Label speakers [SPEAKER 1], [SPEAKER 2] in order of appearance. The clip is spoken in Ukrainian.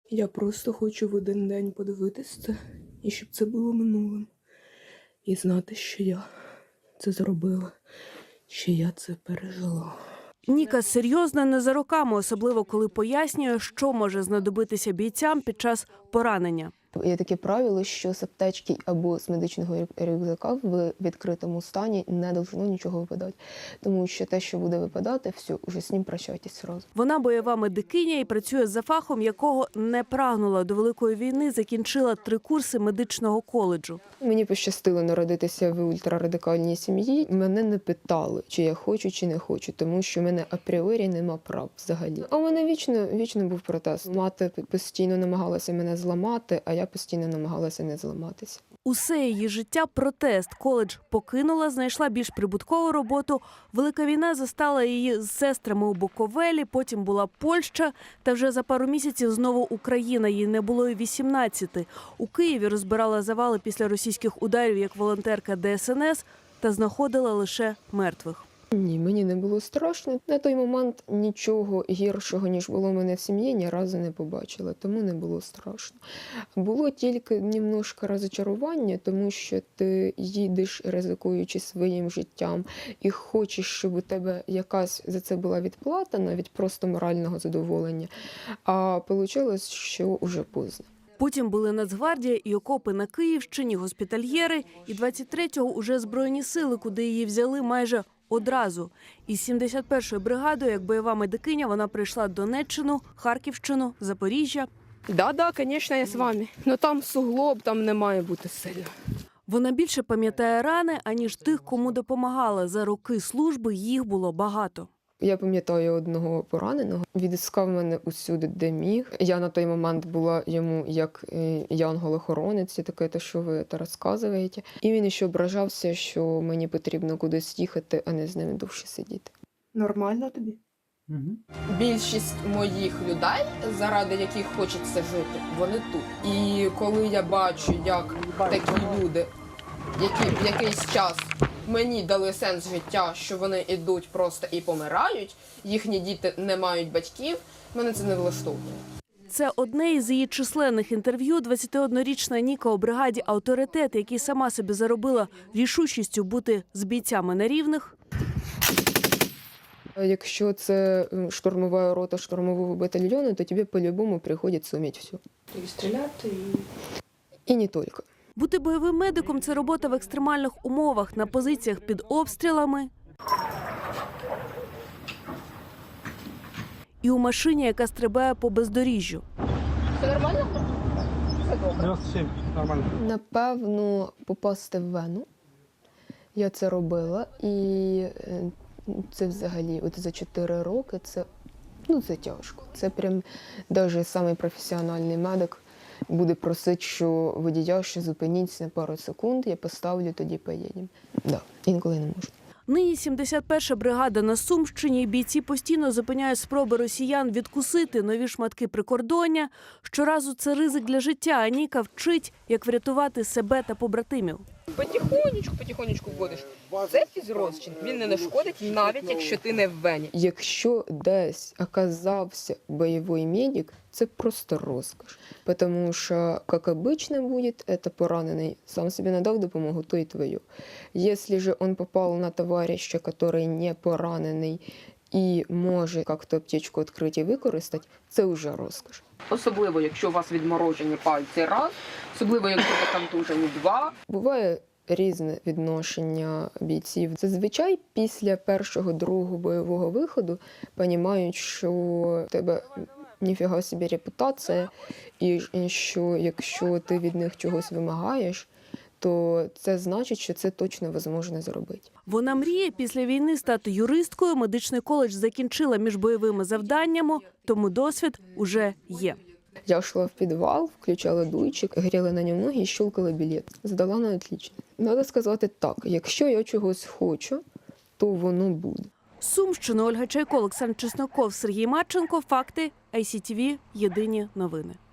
[SPEAKER 1] Я просто хочу в один день подивитись це, і щоб це було минулим. І знати, що я це зробила, що я це пережила.
[SPEAKER 2] Ніка серйозна не за роками, особливо коли пояснює, що може знадобитися бійцям під час поранення.
[SPEAKER 1] Є таке правило, що з аптечки або з медичного рюкзака в відкритому стані не должно нічого випадати. Тому що те, що буде випадати, все, вже з ним прощайтесь одразу.
[SPEAKER 2] Вона бойова медикиня і працює за фахом, якого не прагнула до Великої війни, закінчила 3 курси медичного коледжу.
[SPEAKER 1] Мені пощастило народитися в ультрарадикальній сім'ї. Мене не питали, чи я хочу, чи не хочу, тому що в мене апріорі нема прав взагалі. А у мене вічно був протест. Мати постійно намагалася мене зламати, а я постійно намагалася не зламатися.
[SPEAKER 2] Усе її життя – протест. Коледж покинула, знайшла більш прибуткову роботу. Велика війна застала її з сестрами у Буковелі, потім була Польща, та вже за пару місяців знову Україна. Їй не було й 18. У Києві розбирала завали після російських ударів як волонтерка ДСНС та знаходила лише мертвих.
[SPEAKER 1] Ні, мені не було страшно. На той момент нічого гіршого, ніж було в мене в сім'ї, ні разу не побачила, тому не було страшно. Було тільки немножко розчарування, тому що ти їдеш, ризикуючи своїм життям, і хочеш, щоб у тебе якась за це була відплата, навіть просто морального задоволення. А вийшло, що вже поздно.
[SPEAKER 2] Потім були Нацгвардія і окопи на Київщині, госпітальєри, і 23-го уже Збройні сили, куди її взяли майже одразу. Із 71-ї бригадою, як бойова медикиня, вона прийшла Донеччину, Харківщину, Запоріжжя.
[SPEAKER 3] Да, звісно, я з вами. Ну там суглоб, там не має бути сильно.
[SPEAKER 2] Вона більше пам'ятає рани, аніж тих, кому допомагала. За роки служби їх було багато.
[SPEAKER 1] Я пам'ятаю одного пораненого, відіскав мене усюди, де міг. Я на той момент була йому як янгол-охоронець, таке, те, що ви це розказуєте. І він ще ображався, що мені потрібно кудись їхати, а не з ними довше сидіти.
[SPEAKER 3] Нормально тобі?
[SPEAKER 1] Угу.
[SPEAKER 4] Більшість моїх людей, заради яких хочеться жити, вони тут. І коли я бачу, як такі люди, які в якийсь час мені дали сенс життя, що вони йдуть просто і помирають, їхні діти не мають батьків, мене це не влаштовує.
[SPEAKER 2] Це одне із її численних інтерв'ю. 21-річна Ніка у бригаді «Авторитет», який сама собі заробила рішучістю бути з бійцями на рівних.
[SPEAKER 1] Якщо це штурмова рота штурмового батальйону, то тобі по-любому приходиться вміти все.
[SPEAKER 3] І стріляти,
[SPEAKER 1] І не тільки.
[SPEAKER 2] Бути бойовим медиком – це робота в екстремальних умовах, на позиціях під обстрілами і у машині, яка стрибає по бездоріжжю.
[SPEAKER 4] Все нормально? Все добре.
[SPEAKER 5] 97, нормально.
[SPEAKER 1] Напевно, попасти в вену. Я це робила. І це взагалі от за 4 роки це тяжко. Це прям навіть самий професіональний медик буде просити, що водія ще зупиніться на пару секунд, я поставлю, тоді поїдемо. Да, інколи не можу.
[SPEAKER 2] Нині 71-ша бригада на Сумщині. Бійці постійно зупиняють спроби росіян відкусити нові шматки прикордоння. Щоразу це ризик для життя, а Ніка вчить, як врятувати себе та побратимів.
[SPEAKER 3] Потихонечку вводиш. Це фізрозчин, він не нашкодить, навіть якщо ти не в вені.
[SPEAKER 1] Якщо десь оказався бойовий медик, це просто розкош. Тому що, як обычно буде, це поранений сам собі надав допомогу, то і твою. Якщо же він попав на товариша, який не поранений і може як-то аптечку відкрити і використати, це вже розкош.
[SPEAKER 4] Особливо, якщо у вас відморожені пальці раз, особливо, якщо ви контужені два.
[SPEAKER 1] Буває різне відношення бійців. Зазвичай після першого-другого бойового виходу розуміють, що в тебе ніфіга собі репутація, і що якщо ти від них чогось вимагаєш, то це значить, що це точно можна зробити.
[SPEAKER 2] Вона мріє після війни стати юристкою. Медичний коледж закінчила між бойовими завданнями, тому досвід уже є.
[SPEAKER 1] Я йшла в підвал, включала дуйчик, гріла на ньому ноги і щелкала білет. Здала на отлично. Треба сказати так, якщо я чогось хочу, то воно буде.
[SPEAKER 2] Сумщина, Ольга Чайко, Олександр Чесноков, Сергій Марченко. Факти. ICTV. Єдині новини.